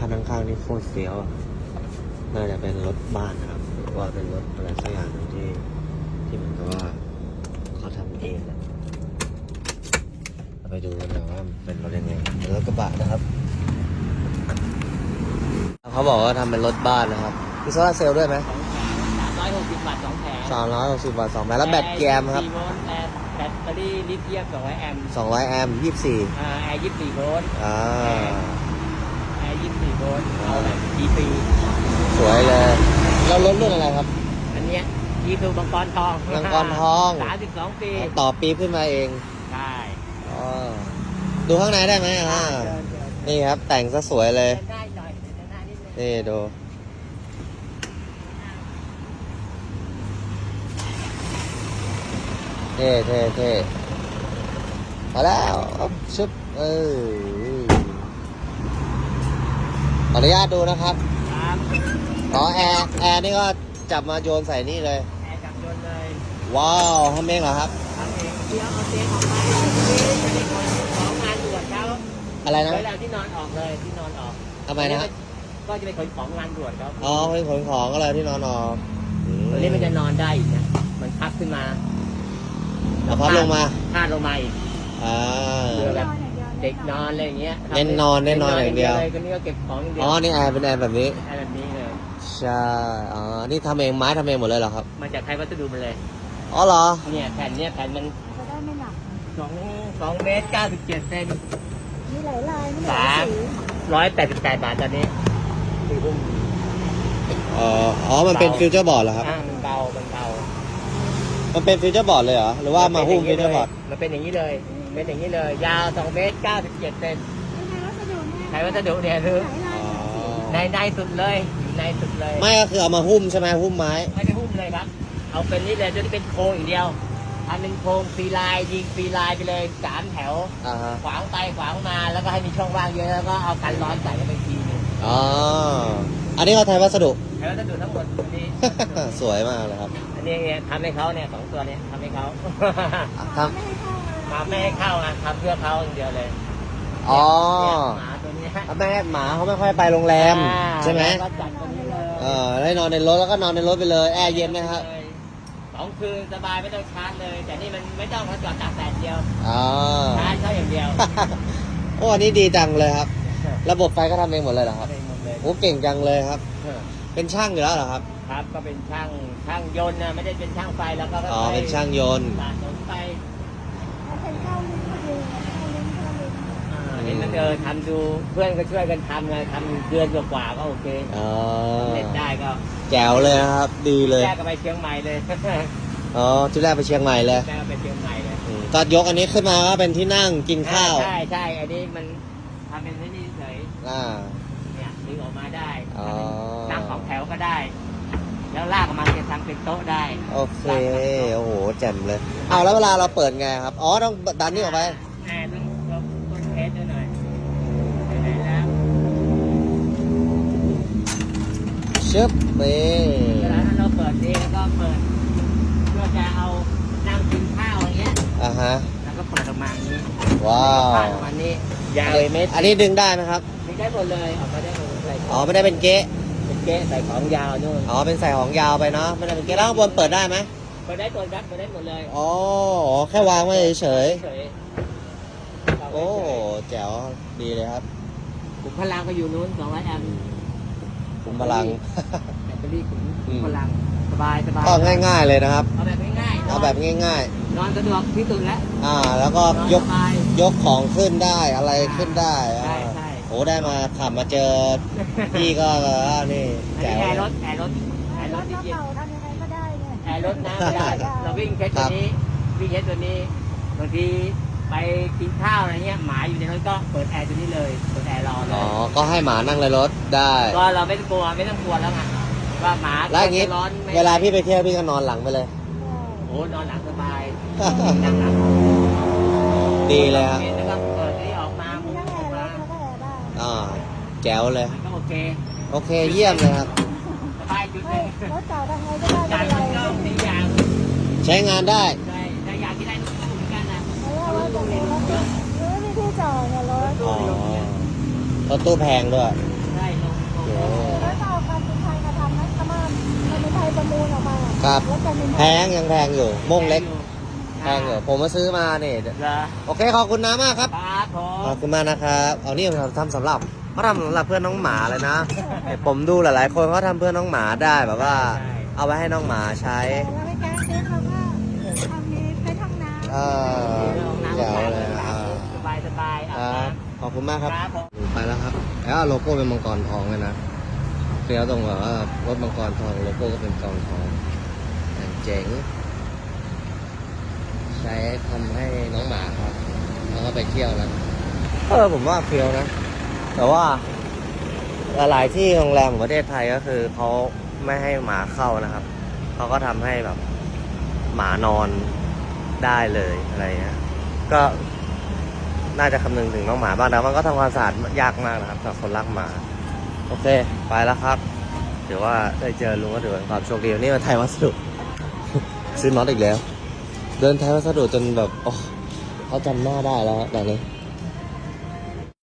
ข้างๆนี่โคตรเฟี้ยวน่าจะเป็นรถบ้านนะครับหรือว่าเป็นรถอะไรสักอย่างหนึ่งที่เหมือนกับว่าเขาทำเองนะเราไปดูกันนะว่าเป็นรถยังไงเป็นรถกระบะนะครับเขาบอกว่าทำเป็นรถบ้านนะครับมีโซลาร์เซลล์ด้วยไหม 360 บาท 2 แผง 360 บาท 2 แผงแล้วแบตแกมครับ 24 โวลต์แบตเตอรี่ลิเธียม 200 แอมป์ 200 แอมป์ 24 แอร์ 24 โวลต์ แอร์ 24 โวลต์เอาแบบ DC สวยเลยแล้วรถรุ่นอะไรครับอันเนี้ยยีซูมังกรทองมังกรทอง 32 ปีต่อปีขึ้นมาเองใช่อ๋อดูข้างในได้ไหมนี่ครับแต่งซะสวยเลยเดินได้หน่อยเดินได้นิดนึงนี่ดูเท่เท่เท่พอแล้วชุบขออนุญาตดูนะครับครับอ๋อแอร์นี่ก็จับมาโยนใส่นี่เลยแอร์จับยนต์เลยว้าวทำเองเหรอครับทำเองเดี๋ยวเอาเตียงออกมาจะได้ขนของงานด่วนเขาอะไรนะเวลาที่นอนออกเลยที่นอนออกทำไมนะครับก็จะไปขนของงานด่วนเขาอ๋อเป็นขนของก็เลยที่นอนออกตัวนี้มันจะนอนได้อีกนะมันพับขึ้นมาเอาพับลงมาพาดลงมาอีกอ่าเพื่อแบบเด็กนอนอะไรอย่างเงี้ยเน้นนอนอย่างเดียวเลยคนนี้ก็เก็บของอย่างเดียวอ๋อนี่แอร์เป็นแอร์แบบนี้อะไรแบบนี้เลยใช่อ๋อนี่ทำเองไม้ทำเองหมดเลยเหรอครับมาจากไทยวัสดุมาเลยอ๋อเหรอเนี่ยแผ่นมันจะได้ไม่หนัก 2 เมตร 97 เซนมีหลายลายไม่หลายสี 188 บาทตอนนี้อ๋อมันเป็นฟิวเจอร์บอร์ดเหรอครับมันเบามันเป็นฟิวเจอร์บอร์ดเลยเหรอหรือว่ามาหุ้มฟิวเจอร์บอร์ดมันเป็นอย่างนี้เลยเป็นอย่างนี้เลย ยาว 2 เมตร 97 เซนในวัสดุเนี่ยไทยวัสดุเนี่ยคือหลายลายหลายสีในสุดเลยอยู่ในสุดเลยไม่ก็คือเอามาหุ้มใช่ไหมหุ้มไม้ไม่ได้หุ้มเลยครับ เอาเป็นนี่เลยจะได้เป็นโครงอย่างเดียวทำเป็นโครงฟรีไลน์ยิงฟรีไลน์ไปเลย3 แถวอ่าฮะขวางไปขวางมาแล้วก็ให้มีช่องว่างเยอะแล้วก็เอากันร้อนใส่เข้าไปทีนึงอ๋ออันนี้เขาไทยวัสดุแล้วจะดูทั้งหมดอันนี้สวยมากเลยครับอันนี้เนี่ยทำให้เขาเนี่ย2 ตัวเนี่ยทำให้เขาทไม่ให้เข้าเลยมาไม่ให้เข้าอ่ะทำเพื่อเขาอย่างเดียวเลยำอ๋อเนี่ยหมาตัวเนี้ยแม่หมาเขาไม่ค่อยไปโรงแรมใช่ไหมแล้วก็จัดตัวนี้เลยได้นอนในรถแล้วก็นอนในรถไปเลยแอร์เย็นไหมครับ 2 คืนสบายไม่ต้องชาร์จเลย แต่นี่มันไม่ต้องเขาจอดตากแดดเดียวอ๋อชาร์จเขาอย่างเดียวโอ้อันนี้ดีจังเลยครับ ระบบไฟก็ทำเองหมดเลยเหรอครับทำเองหมดเลยโอ้เก่งจังเลยครับ เป็นช่างอยู่แล้วเหรอครับครับก็เป็นช่างยนต์นะไม่ได้เป็นช่างไฟแล้วก็อ๋อเป็นช่างยนต์สะสมไปเอาเป็นเข้าลิ้นพอดีเข้าลิ้นเข้าลิ้นเห็นมันทำดูเพื่อนก็ช่วยกันทำไงทำเดือนกว่าๆก็โอเคอ๋อเล่นได้ก็แจ๋วเลยนะครับ ดีเลยแยกกันไปเชียงใหม่เลยอ๋อที่แรกไปเชียงใหม่เลยแยกกันไปเชียงใหม่เลยก็ยกอันนี้ขึ้นมาก็เป็นที่นั่งกินข้าวใช่อันนี้มันทำเป็นที่นี่เฉยอ่าเนี่ยดึงออกมาได้อ๋อนั่ง2 แถวก็ได้ แล้วลากออกมาจะทำเป็นโต๊ะได้โอเค โอ้โห แจ่มเลย เอาแล้วเวลาเราเปิดไงครับ อ๋อ ต้องดันนี่ออกไปต้องลบต้นเทสด้วยหน่อยไปไหนแล้วชึบนี่เวลาเราเปิดนี่แล้วก็เปิดเพื่อจะเอานั่งกินข้าวอย่างเงี้ยอ่าฮะแล้วก็เปิดออกมาอย่างนี้ว้าวพาดออกมานี่ยาวเลยเมตรอันนี้ดึงได้ไหมครับมีได้หมดเลยออกมาได้หมดเลยอ๋อ ไม่ได้เป็นเก๊ะเป็นเก๊ะใส่ของยาวนู่นอ๋อ เป็นใส่ของยาวไปเนาะ ไม่ได้เป็นเก๊ะแล้วข้างบนเปิดได้ไหมเปิดได้หมดครับเปิดได้หมดเลยอ๋อ แค่วางไว้เฉยๆๆ โอ้ แจ๋ว ดีเลยครับขุมพลังก็อยู่นู้น200 แอมป์คุมพลังแบตเตอรี่ขุมพลังสบายก็ง่ายๆเลยนะครับเอาแบบง่ายๆเอาแบบง่ายนอนสะดวกที่สุดแล้วๆ แล้วก็นอนยสกบายยกของขึ้นได้อะไรขึ้นได้ใช่โอ้ได้มาขับมาเจอพี่ก็นี่อันแจ๋นี้วรถแอร์รถรถที่เย็นเก่าทำยังไงก็ได้เนี่ยแอร์รถนะเวลาเราวิ่งเช็ดตัวนี้วิ่งเช็ดตัวนี้บางทีไปกินข้าวอะไรเงี้ยหมาอยู่ในรถก็เปิดแอร์ตัวนี้เลยเปิดแอร์รอเลอ๋อยก็ให้หมานั่งในรถได้ก็เราไม่ต้องกลัวแล้วไงว่าหมาแล้วอย่างงี้จะร้อนไม่เวลาพี่ไปเที่ยวพี่ก็นอนหลังไปเลยโอ้นอนหลังสบายนั่งหลังดีเลยครับแล้วก็เปิดนี้ออกมามีมุมทั้งอแออกร์รมาถแล้วก็แอร์บ้านแจ๋วเลยมันก็โอเคโอเคเยี่ยมเลยครับสบายจุดหเฮ้นึ่ยงรถเก่าทำไงก็ได้จาไม่นเป็นไรมันก็สีอย่างใช้งานได้ใช่แต่อยากที่ได้ลูกเหมือนกันนะเพราะว่าว่าจะมีรถไม่มีที่จอดเนี่ยรถอ๋อรถตู้แพงด้วยใช่รถครับแล้วจะเป็นแพงยังแพงอยู่โม่งเล็กแพงอยู่ผมมาซื้อมาเนี่ยเหรอโอเคขอบคุณน้ามากครับครับผขอมบคุณมากนะครับเอานี่เราทำสำหรับเขาทำสำหรับเพื่อนน้องหมาเลยนะผมดูหลายๆคนเขาทำเพื่อนน้องหมาได้แบบว่า เอาไว้ให้น้องหมาใช้เราไม่กล้าซื้อเราก็ทำนี้ใช้ห้องน้ำเออเจ๋วเลยอ่ะสบายสบายๆคอาบรับน้ขอบคุณมากำครับครับผมไปแล้วครับแล้วโลโก้เป็นมังกรทองเลยนะเฟี้ยวตรงแบบว่ารถมังกรทองโลโก้ก็เป็นกองทองอย่างเจ๋ง ใช้ทำให้น้องหมาครับแล้วก็ไปเที่ยวนะผมว่าเฟี้ยวนะ แต่ว่าหลายๆที่โรงแรมของประเทศไทยก็คือเขาไม่ให้หมาเข้านะครับเขาก็ทำให้แบบหมานอนได้เลยอะไรเงี้ยก็น่าจะคำนึงถึงน้องหมาบ้างแต่มันก็ทำความสะอาดยากมากนะครับสำหรับคนรักหมาโอเคไปแล้วครับถือว่าได้เจอลุงก็ถือว่าความโชคดีวันนี้มาไทยวัสดุ ซื้อน็อตอีกแล้ว เดินไทยวัสดุจนแบบโอ้เขาจำหน้าได้แล้วตอนนี้